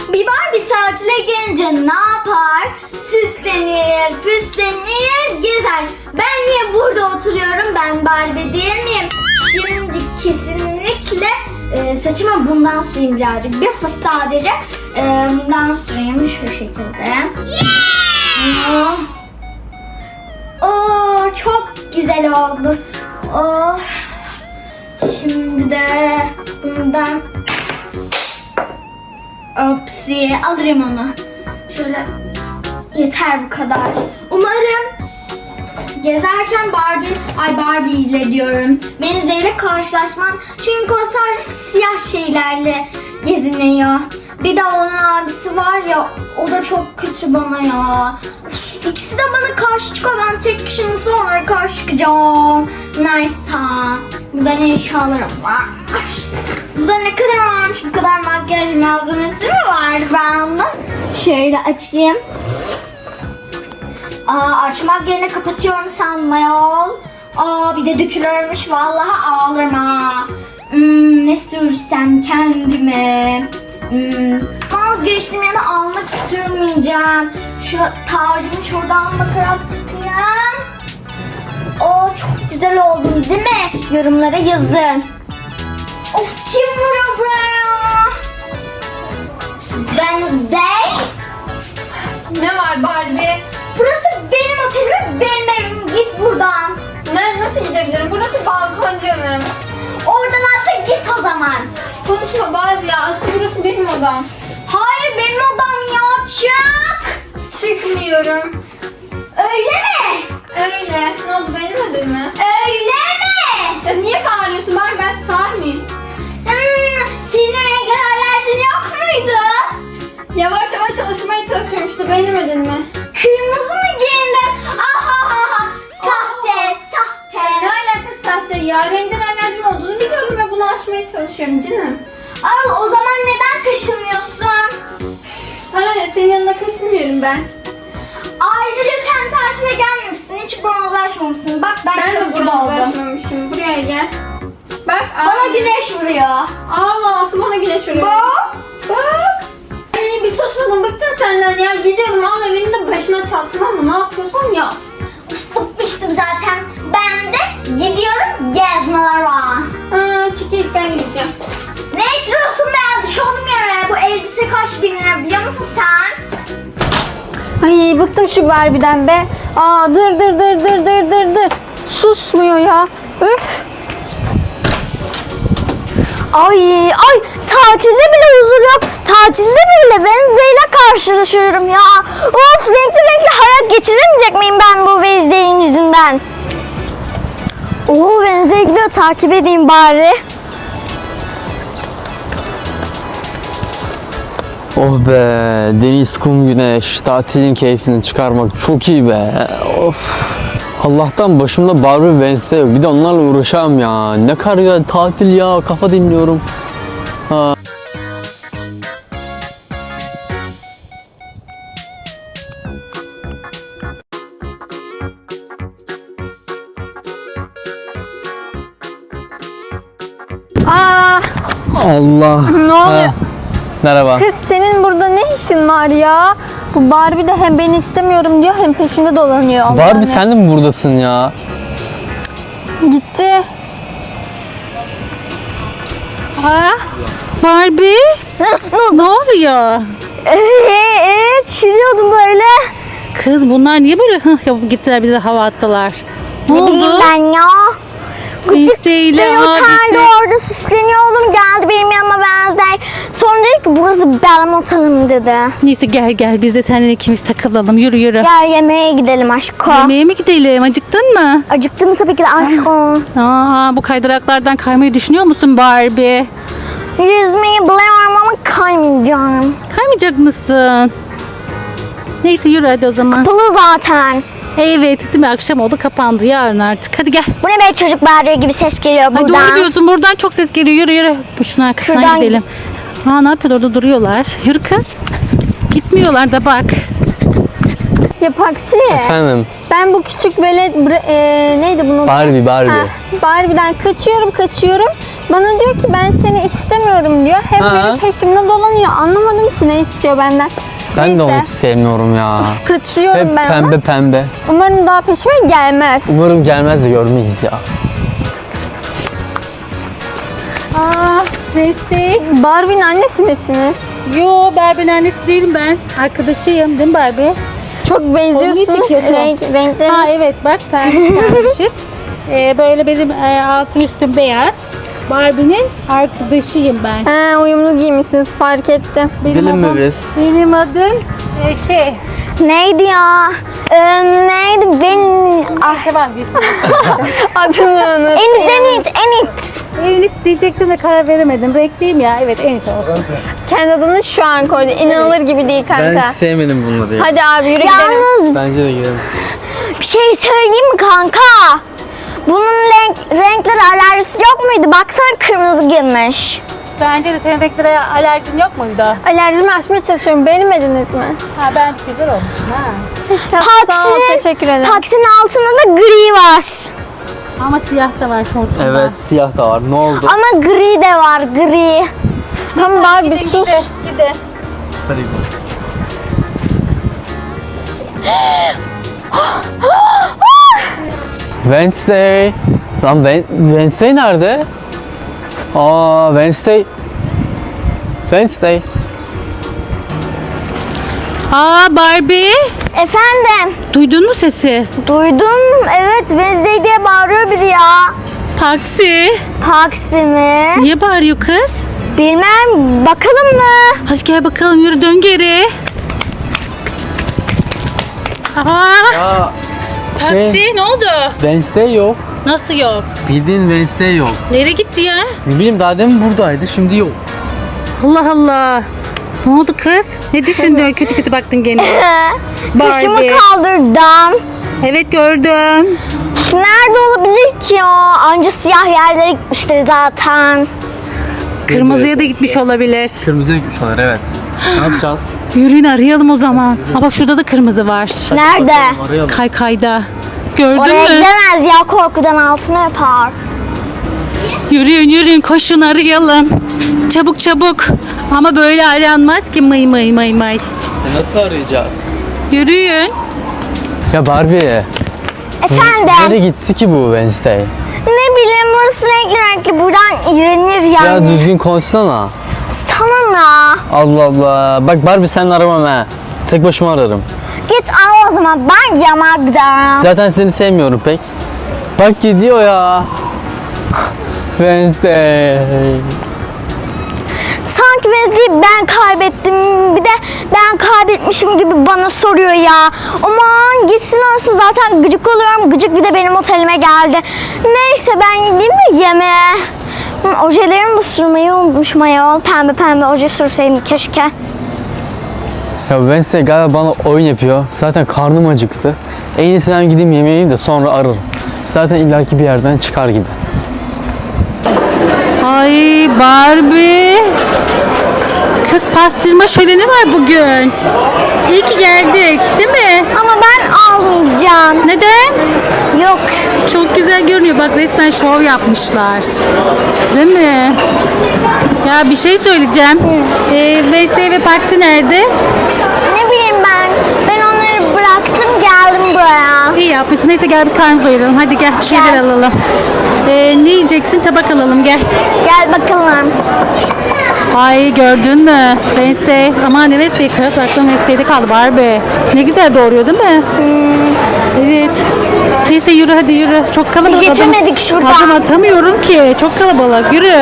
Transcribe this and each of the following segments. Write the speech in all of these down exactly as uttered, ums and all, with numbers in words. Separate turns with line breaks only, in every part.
Bir Barbie tatile gelince ne yapar? Süslenir, püslenir, gezer. Ben niye burada oturuyorum? Ben Barbie değil miyim? Şimdi kesinlikle e, saçıma bundan süreyim birazcık. Bir fıs sadece e, bundan süreyim şu şekilde. Yeah! Oh, çok güzel oldu. Oh. Şimdi de bundan Opsi alırım onu. Şöyle yeter bu kadar. Umarım gezerken Barbie, ay Barbie ile diyorum. Wednesday ile karşılaşmam. Çünkü o sadece siyah şeylerle geziniyor. Bir de onun abisi var ya, o da çok kötü bana ya. İkisi de bana karşı çıkıyor. Ben tek kişi nasıl onlara karşı çıkacağım? Neyse. Burada ne eşyalarım var? Burada ne kadar varmış? Bu kadar makyaj malzemesi mi var bende? Şöyle açayım. Aa, açmak yerine kapatıyorum sanma yol. Aa, bir de dökülürmüş. Vallahi ağlarım ha. Hmm, ne sürsem kendime. Hmm, vazgeçtim ya da almak sürmeyeceğim. Şu tacımı şuradan bakarak tıkayım. Oo, çok güzel oldum değil mi? Yorumlara yazın. Of, kim vuruyor buraya? Ben değil.
Ne var Barbie?
Burası benim otelim, benim evim. Git buradan.
Ne, nasıl gidebilirim? Burası balkon canım.
Oradan atla git o zaman.
Konuşma Barbie ya. Asıl burası benim odam.
Hayır, benim odam ya. Çık.
Çıkmıyorum.
Öyle mi?
Öyle. Ne oldu, beğenemedin mi?
Öyle mi?
Ya niye bağırıyorsun Barbie? Ben sağır mıyım?
Hmm, senin renkli alerjin yok muydu?
Yavaş yavaş çalışmaya çalışıyorum işte. Beğenemedin mi?
Kırmızı mı giyindin? Ahaha. Sahte, sahte.
Ne alakası sahte ya? Renkten alerjim olduğunu biliyorum ve bunu aşmaya çalışıyorum canım.
Al, o zaman neden kaşınıyorsun?
Sana ne? Senin yanında kaçınmıyorum ben.
Ayrıca sen tatile gelmemişsin, hiç bronzlaşmamışsın. Bak ben,
Ben de
çok gibi
burada
oldum.
ulaşmamışım. Buraya gel. Bak.
Bana
ay.
güneş vuruyor.
Allah, asıl bana güneş vuruyor.
Bak.
Bak. Ay, bir susmadım, bıktım senden ya. Gidiyorum, al evini de başına çal, tamam mı? Ne yapıyorsan ya.
Bıkmıştım zaten. Ben de gidiyorum gezmelere.
Ha, çık ilk, ben gideceğim.
Ne ekliyorsun be? Düş oğlum yere. Bu elbise kaç bin lira biliyor musun sen?
Ay, bıktım şu Barbie'den be. Aa, dır dır dır dır dır dır dır. Susmuyor ya. Üf.
Ay ay, tatilde bile huzur yok. Tatilde bile Wednesday ile karşılaşıyorum ya. Of, renkli renkli hayat geçiremeyecek miyim ben bu Wednesday'in yüzünden? Oo, Wednesday gidiyor, takip edeyim bari.
Oh be, deniz, kum, güneş, tatilin keyfini çıkarmak çok iyi be. Of. Allah'tan başımda Barbie Wednesday yok. Bir de onlarla uğraşamam ya. Ne kadar güzel tatil ya, kafa dinliyorum. Ha.
Aa,
Allah.
ne oluyor?
Ha. Merhaba.
Kız, senin burada ne işin var ya? Bu Barbie de hem beni istemiyorum diyor hem peşimde dolanıyor. Allah'ım
Barbie
ya.
sen de mi buradasın ya?
Gitti.
Ha? Barbie? ne oluyor?
Eee, çürüyordum böyle.
Kız bunlar niye böyle hıh yapıp gittiler, bize hava attılar? Ne,
Ne bileyim
oldu?
ben ya.
Wednesday ile
Ben otelde
abisi.
orada süsleniyordum. Geldi benim yanıma Wednesday. Sonra dedi ki burası benim otelim dedi.
Neyse gel gel, biz de seninle ikimiz takılalım, yürü yürü.
Gel yemeğe gidelim aşko.
Yemeğe mi gidelim, acıktın mı?
Acıktım tabii ki de aşko.
Aa, bu kaydıraklardan kaymayı düşünüyor musun Barbie?
Yüzmeyi biliyorum ama kaymayacağım.
Kaymayacak mısın? Neyse yürü hadi o zaman.
Kapalı zaten.
Evet, değil mi? Akşam oldu, kapandı, yarın artık. Hadi gel.
Bu ne be, çocuk bağırıyor gibi ses geliyor
Hadi
buradan.
doğru diyorsun, buradan çok ses geliyor. Yürü yürü. Şunun arkasından
Şuradan
gidelim. Aa, ne yapıyor orada, duruyorlar. Yürü kız. Gitmiyorlar da bak.
Ya Paksi.
Efendim.
Ben bu küçük velet bre- e, neydi bunun?
Barbie Barbie.
Ha, Barbie'den kaçıyorum kaçıyorum. Bana diyor ki ben seni istemiyorum diyor. Hem
Ha.
benim peşimde dolanıyor. Anlamadım ki ne istiyor benden.
Ben
Neyse.
de onu hiç sevmiyorum ya.
Kaçıyorum
Hep
ben
pembe
ama.
pembe.
Umarım daha peşime gelmez.
Umarım gelmez de görmeyiz ya.
Aa, neyse.
Barbie'nin annesi misiniz?
Yo, Barbie'nin annesi değilim ben. Arkadaşıyım değil mi Barbie?
Çok benziyorsunuz.
çekiyorsun?
Renk, renkleriniz.
Ha evet bak pembiş. ee, böyle benim e, altım üstüm beyaz. Barbie'nin arkadaşıyım ben.
Ha, uyumlu giymişsiniz fark ettim.
Benim
Gidelim mi
adım-
biz?
Benim adım e, şey.
Neydi ya? Ee, neydi? Ben...
Ah. Ben bir
Adını unuttum.
Enit, Enit, Enit.
Enit diyecektim de karar veremedim. Renkliyim ya. Evet Enit olsun.
Kendi adını şu an koydu. İnanılır gibi değil kanka.
sevmedim bunları ya.
Hadi abi yürü gidelim.
Yalnız
Bence de gidelim.
bir şey söyleyeyim mi kanka? Bunun renk, renkler alerjisi yok muydu? Baksana kırmızı girmiş.
Bence de senin renklere alerjin yok muydu?
Alerjimi aşmaya çalışıyorum. Beğenmediniz mi?
Ha ben güzel olmuş. Ha.
Tamam, sağ ol. Teşekkür ederim.
Taksinin altında da gri var.
Ama siyah da var şortunda.
Evet siyah da var. Ne oldu?
Ama gri de var, gri.
Tamam Barbie
Gidin,
sus.
Gidin, gidin.
Hadi gidelim. Wednesday. Lan Wen- Wednesday nerede? Aa Wednesday. Wednesday.
Aa Barbie.
Efendim,
Duydun mu sesi?
duydum. Evet, Wednesday diye bağırıyor biri ya.
Taksi.
Taksi mi?
Niye bağırıyor kız?
Bilmem, bakalım mı?
Hadi gel bakalım yürü dön geri. Aa,
Ya
taksi ne oldu?
Wednesday yok.
Nasıl yok?
Bildiğin Wednesday yok.
Nereye gitti ya?
Ne bileyim daha demin buradaydı şimdi yok.
Allah Allah. Ne oldu kız? Ne düşündün? Kötü kötü baktın gene.
Başımı
Barbie.
kaldırdım.
Evet gördüm.
Nerede olabilir ki o? Anca siyah yerlere gitmiştir zaten.
Kırmızıya da gitmiş olabilir.
Kırmızıya gitmiş onlar evet. Ne yapacağız?
Yürüyün arayalım o zaman. Aa bak şurada da kırmızı var.
Nerede?
Arayalım.
Kaykayda. Gördün
Oraya
mü?
gidemez ya, korkudan altına yapar.
Yürüyün yürüyün koşun arayalım. Çabuk çabuk. Ama böyle aranmaz ki mıy mıy mıy mıy.
E, nasıl arayacağız?
Yürüyün.
Ya Barbie.
Efendim,
Nereye gitti ki bu Wednesday?
ne bileyim burası renkli renkli, buradan iğrenir yani.
Ya düzgün konuşsana.
Tamam ya.
Allah Allah. Bak Barbie sen aramam ha. Tek başıma ararım.
Git al o zaman, ben yamağa giderim.
Zaten seni sevmiyorum pek. Bak gidiyor ya. Wednesday.
Sanki Wednesday'i ben kaybettim, bir de ben kaybetmişim gibi bana soruyor ya. Aman gitsin orası, zaten gıcık oluyorum. Gıcık bir de benim otelime geldi. Neyse ben gideyim de yemeğe. Hı, ojelerimi de sürmeyi unutmuşum ayol. Pembe pembe oje sürseydim keşke.
Ya Wednesday galiba bana oyun yapıyor. Zaten karnım acıktı. En iyisi ben gideyim yemeği yiyeyim de sonra ararım. Zaten illaki bir yerden çıkar gibi.
Ay Barbie. Kız pastırma şöleni var bugün. İyi ki geldik değil mi?
Ama ben almayacağım.
Neden?
Yok.
Çok güzel görünüyor. Bak resmen şov yapmışlar. Değil mi? Ya bir şey söyleyeceğim. Ee, Wednesday ve Paxi nerede?
Ne bileyim ben. Ben onları bıraktım, geldim buraya.
İyi yapmışsın. Neyse gel biz karnımızı doyuralım. Hadi gel bir şeyler
Gel.
alalım. Ee, ne yiyeceksin? Tabak alalım gel.
Gel bakalım.
Ay gördün mü? Wednesday. Aman ne Wednesday kız. Aklım Wednesday'de kaldı Barbie. Ne güzel doğuruyor değil mi? Evet. Neyse yürü hadi yürü. Çok kalabalık.
Geçemedik
Adım-
şuradan.
Adım atamıyorum ki. Çok kalabalık. Yürü.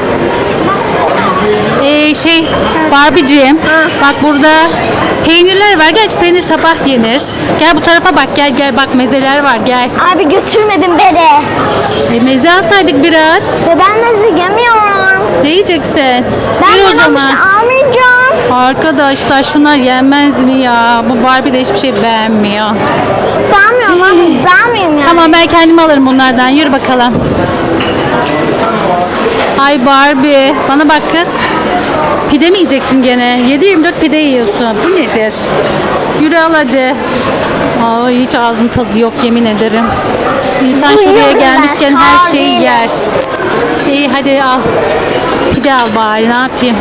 Ee, şey Barbie'ciğim. Bak burada peynirler var. Gerçi peynir sabah yenir. Gel bu tarafa bak. Gel gel bak mezeler var. Gel.
Abi götürmedin beni.
E, meze alsaydık biraz.
Ve ben meze yemiyorum.
Ne yiyeceksin?
Ben
Yürü o
buna bir
zaman.
şey almayacağım.
Arkadaşlar şunlar yenmez mi ya? Bu Barbie de hiçbir şey beğenmiyor.
Beğenmiyorum abi. Beğenmiyorum yani.
Tamam ben kendim alırım bunlardan. Yürü bakalım. Ay Barbie. Bana bak kız. Pide mi yiyeceksin gene? yedi yirmi dört pide yiyorsun. Bu nedir? Yürü al hadi. Ay hiç ağzın tadı yok yemin ederim. İnsan şuraya
Duyuyorum
gelmişken
ben,
her
sağ
şeyi
değilim.
yer. İyi hadi al. Pide al bari ne yapayım.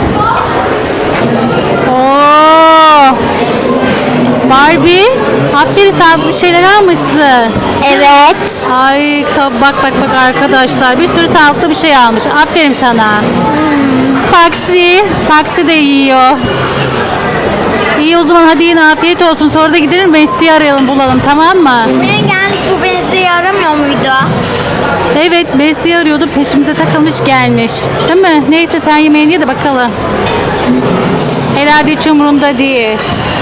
Oo. Barbie, aferin sağlıklı şeyler almışsın.
Evet.
Ay ka- bak bak bak arkadaşlar bir sürü sağlıklı bir şey almış. Aferin sana. Paksi, Paksi de yiyor. İyi o zaman hadi yine afiyet olsun. Sonra da gidelim Besti'yi arayalım bulalım tamam mı?
Buraya geldik, bu beni yaramıyor muydu?
Evet Besti'yi arıyordu peşimize takılmış gelmiş. Değil mi? Neyse sen yemeğini ye de bakalım. Herhalde hiç umurunda değil.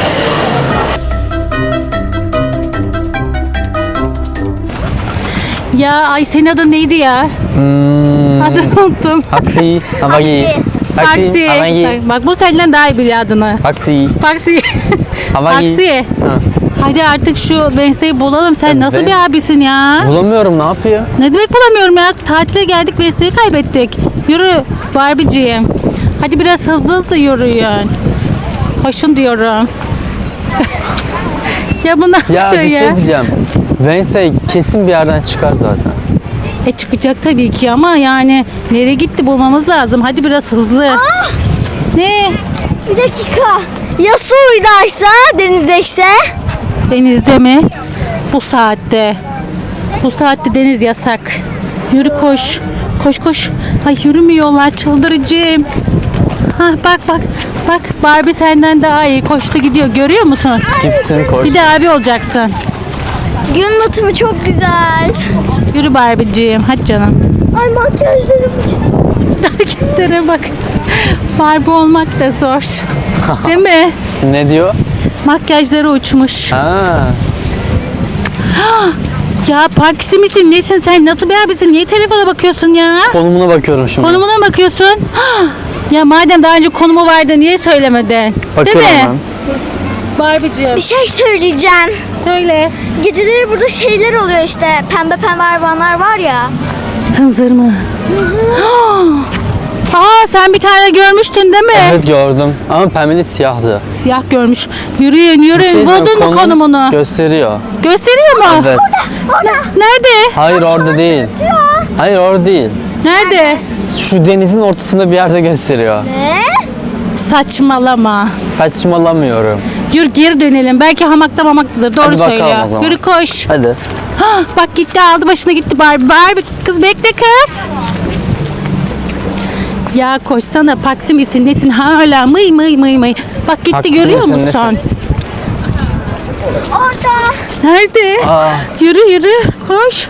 Ya ay senin adın neydi ya?
Hmm,
Adını unuttum.
Taksi. Havagi.
Paksi.
Havagi.
Bak, bak bu senden daha iyi biliyor adını.
Taksi.
Paksi.
Havagi.
Paksi.
Ha.
Hadi artık şu Wednesday'i bulalım. Sen
Evet.
nasıl bir abisin ya?
Bulamıyorum, ne yapıyor?
Ne demek bulamıyorum ya? Tatile geldik Wednesday'i kaybettik. Yürü Barbie'ciğim. Hadi biraz hızlı hızlı yürüyün. Koşun diyorum. ya bu ne
Ya
yapıyor
bir
ya?
şey diyeceğim. Wednesday kesin bir yerden çıkar zaten.
E çıkacak tabii ki ama yani nereye gitti bulmamız lazım. Hadi biraz hızlı. Ne?
Bir dakika. Ya su uydaysa, denizdeyse?
Denizde mi? Bu saatte. Bu saatte deniz yasak. Yürü koş. Koş koş. Ay yürümüyorlar çıldırıcım. Ha bak bak. Bak Barbie senden daha iyi koştu gidiyor. Görüyor musun?
Gitsin koş.
Bir de abi olacaksın.
Gün batımı çok güzel.
Yürü Barbie'ciğim. Hadi canım.
Ay makyajlarım uçtu.
Hareketlere bak. Barbie olmak da zor. Değil mi?
Ne diyor?
Makyajları uçmuş.
Ha.
Ya Paksi misin? Nesin sen? Nasıl bir abisin? Niye telefona bakıyorsun ya?
Konumuna bakıyorum şimdi.
Konumuna mı bakıyorsun? Ya madem daha önce konumu vardı niye söylemedin?
Bakıyorum
Değil mi?
ben.
Barbie'ciğim.
Bir şey söyleyeceğim.
Söyle.
Geceleri burada şeyler oluyor işte. Pembe pembe hayvanlar var ya.
Hınzır mı? Aa sen bir tane görmüştün değil mi?
Evet gördüm. Ama pembeli siyahtı.
Siyah görmüş. Yürüyün
Bir
yürüyün.
şey diyeceğim,
Buldun mu
konum
konumunu?
Gösteriyor.
Gösteriyor mu?
Evet.
Nerede?
Hayır orada değil. Hayır orada değil.
Nerede?
Şu denizin ortasında bir yerde gösteriyor.
Ne?
Saçmalama.
Saçmalamıyorum.
Yürü geri dönelim. Belki hamakta mamaktadır. Doğru
Hadi bakalım
söylüyor.
o zaman.
Yürü koş.
Hadi.
Hah, bak gitti aldı başına gitti Barbie. Barbie kız bekle kız. Ya koşsana Paksi misin nesin hala mıy mıy mıy mıy. Bak gitti
Paksi
görüyor
misin,
musun?
nesin?
Orada.
Nerede?
Aa.
Yürü yürü koş.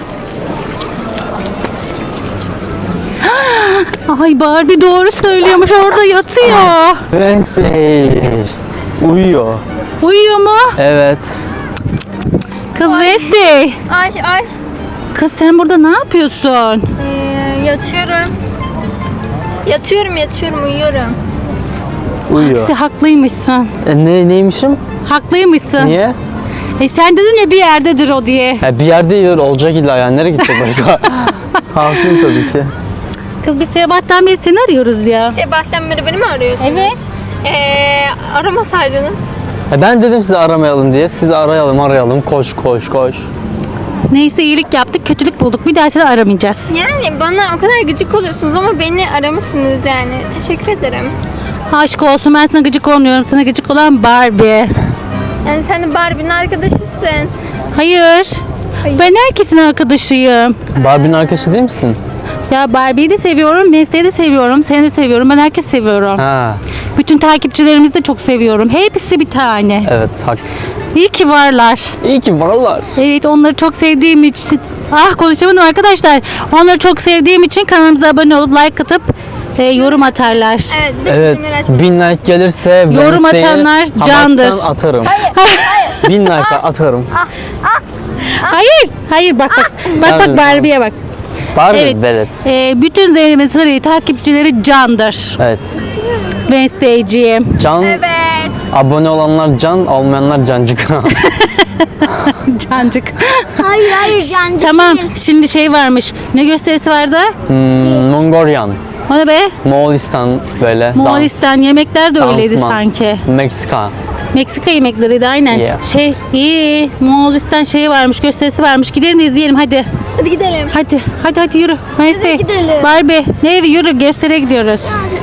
Ay Barbie doğru söylüyormuş orada yatıyor.
Wednesday. Uyuyor.
Uyuyor mu?
Evet.
Kız Wednesday.
Ay ay.
Kız sen burada ne yapıyorsun?
Ee, yatıyorum. Yatıyorum yatıyorum uyuyorum.
Uyuyor.
Sen haklıymışsın.
E, ne, neymişim?
Haklıymışsın.
Niye?
E sen dedin ya bir yerdedir o diye.
Ya bir yerde iyidir, olacak illa yani. Nereye gidecek başka? Haklıyım tabii ki.
Kız biz sabahtan beri seni arıyoruz ya.
Sabahtan beri beni mi arıyorsunuz?
Evet.
Ee, aramasaydınız.
E, ben dedim sizi aramayalım diye. Sizi arayalım arayalım. Koş koş koş.
Neyse iyilik yaptık, kötülük bulduk. Bir daha seni aramayacağız.
Yani bana o kadar gıcık oluyorsunuz ama beni aramışsınız yani. Teşekkür ederim.
Aşk olsun ben sana gıcık olmuyorum. Sana gıcık olan Barbie.
Yani sen de Barbie'nin arkadaşısın.
Hayır. Ben herkesin arkadaşıyım.
Barbie'nin arkadaşı değil misin?
Ya Barbie'yi de seviyorum, Wednesday'i de seviyorum, seni de seviyorum. Ben herkesi seviyorum.
Ha.
Bütün takipçilerimizi de çok seviyorum. Hepsi bir tane.
Evet haklısın.
İyi ki varlar.
İyi ki varlar.
Evet onları çok sevdiğim için ah konuşamadım arkadaşlar. Onları çok sevdiğim için kanalımıza abone olup like atıp e, yorum atarlar.
Evet.
Evet.
bildirimleri açmayı-
Bin like gelirse
Yorum
Wednesday'i
atanlar candır.
hamaktan atarım. Bin like atarım.
Hayır, hayır bak bak. Bak
Tabii,
bak Barbie'ye bak.
Barbie
Evet.
velet.
E, bütün Zeynep'in Sarı'yı takipçileri candır.
Evet.
Wednesday'ciğim.
Can,
Evet.
abone olanlar can, olmayanlar cancık.
Cancık.
Hayır hayır cancık
Tamam
değil.
şimdi şey varmış. Ne gösterisi vardı?
hmm, Mongolian.
O ne be?
Moğolistan böyle.
Moğolistan yemekler de
dans,
öyleydi
dansman.
sanki.
Meksika.
Meksika yemekleriydi aynen.
Yes.
Şey iyi. Moğolistan şeyi varmış, gösterisi varmış. Gidelim de izleyelim hadi.
Hadi gidelim.
Hadi hadi hadi yürü. Wednesday.
gidelim.
Barbie. Ne evi yürü gösteriye gidiyoruz.